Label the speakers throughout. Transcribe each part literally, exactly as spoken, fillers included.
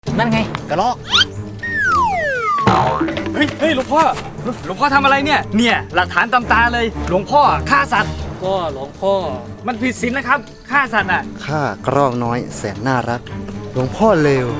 Speaker 1: นั่นไงกระรอก
Speaker 2: เฮ้ยเฮ้ยหลวงพ่อหลวงพ่อทำอะไรเนี่ยเนี่ยหลักฐานตำตาเลยหลวงพ่อฆ่าสัตว์
Speaker 3: ก็หลวงพ่อ
Speaker 2: มันผิดศีลนะครับฆ่าสัตว์อ่ะ
Speaker 4: ข้ากระรอกน้อยแสนน่ารักหลวงพ่อเลว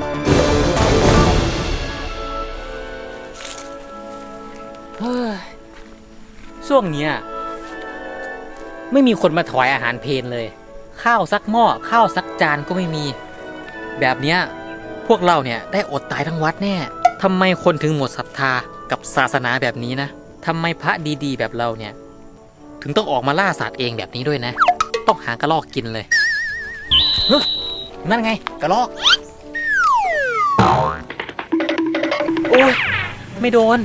Speaker 1: เฮ้ยช่วงเนี้ยไม่มีคนมาถวายอาหารเพลเลยข้าวซักหม้อข้าวซักจานก็ไม่มีแบบเนี้ยพวกเราเนี่ยได้อดตายทั้งวัดแน่ทำไมคนถึงหมดศรัทธากับศาสนาแบบนี้นะทำไมพระดีๆแบบเราเนี่ยถึงต้องออกมาล่าสัตว์เองแบบนี้ด้วยนะต้องหากระรอกกินเลยนั่นไงกระรอกโอ้ยไม่โดน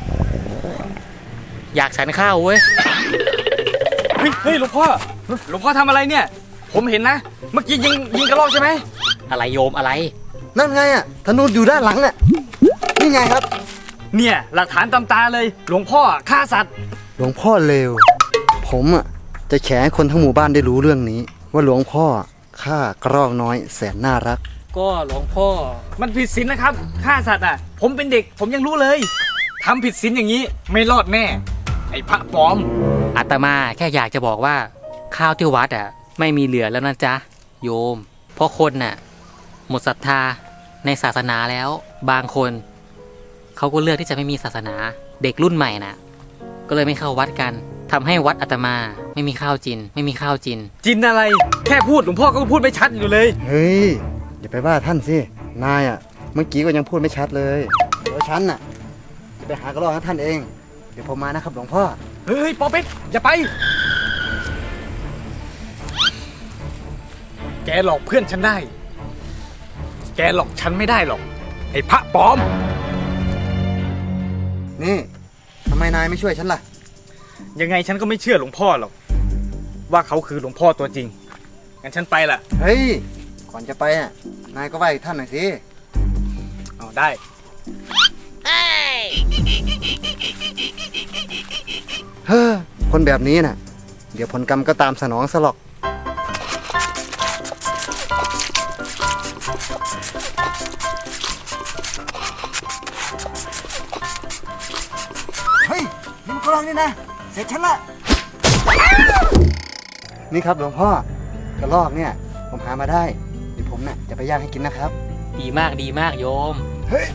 Speaker 1: อยากฉันข้าวเว้ย
Speaker 2: เฮ้ยเฮ้ยหลวงพ่อหลวงพ่อทำอะไรเนี่ยผมเห็นนะเมื่อกี้ยิงยิงกระรอกใช่ไหม
Speaker 1: อะไรโยมอะไร
Speaker 4: นั่นไงอ่ะธนูอยู่ด้านหลังน่ะนี่ไงครับ
Speaker 2: เนี่ยหลักฐานตำตาเลยหลวงพ่อฆ่าสัตว์
Speaker 4: หลวงพ่อเลวผมอ่ะจะแฉให้คนทั้งหมู่บ้านได้รู้เรื่องนี้ว่าหลวงพ่อฆ่ากระรอกน้อยแสนน่ารัก
Speaker 3: ก็หลวงพ่อ
Speaker 2: มันผิดศีลนะครับฆ่าสัตว์อ่ะผมเป็นเด็กผมยังรู้เลยทำผิดศีลอย่างนี้ไม่รอดแน่ไอ้พระปลอม
Speaker 1: อาตมาแค่อยากจะบอกว่าข้าวที่วัดอ่ะไม่มีเหลือแล้วนะจ๊ะโยมเพราะคนน่ะหมดศรัทธาในศาสนาแล้วบางคนเขาก็เลือกที่จะไม่มีศาสนาเด็กรุ่นใหม่น่ะก็เลยไม่เข้าวัดกันทำให้วัดอาตมาไม่มีข้าวจินไม่มีข้าวจิน
Speaker 2: จินอะไรแค่พูดหลวงพ่อก็พูดไม่ชัดอยู่เลย
Speaker 4: เฮ้ยอย่าไปว่าท่านสินายอ่ะเมื่อกี้ก็ยังพูดไม่ชัดเลยเดี๋ยวฉันน่ะจะไปหากระรอกให้ท่านเองเดี๋ยวผมมานะครับหลวงพ่อ
Speaker 2: เฮ้ยปอเป็ดอย่าไปแกหลอกเพื่อนฉันได้แกหลอกฉันไม่ได้หรอกไอ้พระปลอม
Speaker 4: นี่ทำไมนายไม่ช่วยฉันล่ะ
Speaker 2: ยังไงฉันก็ไม่เชื่อหลวงพ่อหรอกว่าเขาคือหลวงพ่อตัวจริงงั้นฉันไปละ
Speaker 4: เฮ้ยก่อนจะไปอ่ะนายก็ไหว้ท่านหน่อยสิ
Speaker 2: อ๋อได้
Speaker 4: เฮ้อคนแบบนี้น่ะเดี๋ยวผลกรรมก็ตามสนองซะหรอกเฮ้ยนี่มันกระรอกนี่นะเสร็จฉันละนี่ครับหลวงพ่อกระรอกเนี่ยผมหามาได้เดี๋ยวผมน่ะจะไปย่างให้กินนะครับ
Speaker 1: ดีมากดีมากโยม
Speaker 4: เฮ้ย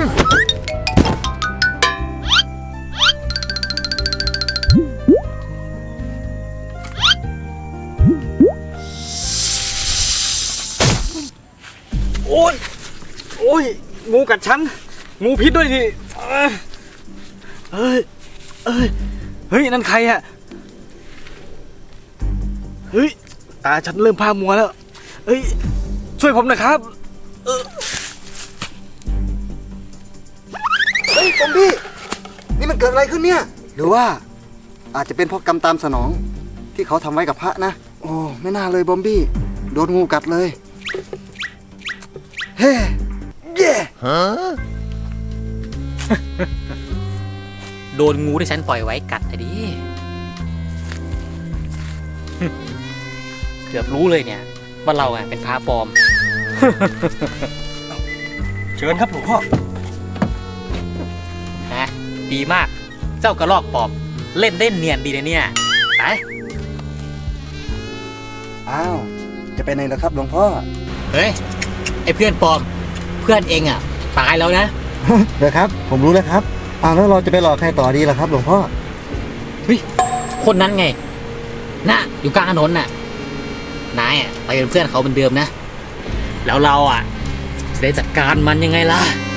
Speaker 2: โอ้ยโอ้ยงูกัดฉันงูพิษด้วยดิเฮ้ยเฮ้ยเฮ้ยนั่นใครอะเฮ้ยตาฉันเริ่มพามัวแล้วเฮ้ยช่วยผมหน่อยครับ
Speaker 4: เฮ้ยบอมบี้นี่มันเกิดอะไรขึ้นเนี่ยหรือว่าอาจจะเป็นเพราะกรรมตามสนองที่เขาทำไว้กับพระนะโอ้ไม่น่าเลยบอมบี้โดนงูกัดเลยเฮ้เย่ฮะ
Speaker 1: โดนงูที่ฉันปล่อยไว้กัดอะดิเกือบรู้เลยเนี่ยว่าเราอ่ะเป็นพระปลอม
Speaker 2: เชิญครับหลวงพ่อ
Speaker 1: ฮะดีมากเจ้ากระรอกปลอมเล่นเล่นเนียนดีนะเนี่ยไป
Speaker 4: อ้าวจะไปไหนล่ะครับหลวงพ่อ
Speaker 1: เฮ้ยไอ้เพื่อนปลอมเพื่อนเองอ่ะตายแล้วนะ
Speaker 4: เดี๋ยวครับผมรู้แล้วครับอ้าวแล้วเราจะไปหลอกใครต่อดีล่ะครับหลวงพ่อ
Speaker 1: เฮ้ยคนนั้นไงน่ะอยู่กลางถนนน่ะนายอ่ะไปเป็นเพื่อนเขาเหมือนเดิมนะแล้วเราอ่ะจะได้จัดการมันยังไงล่ะ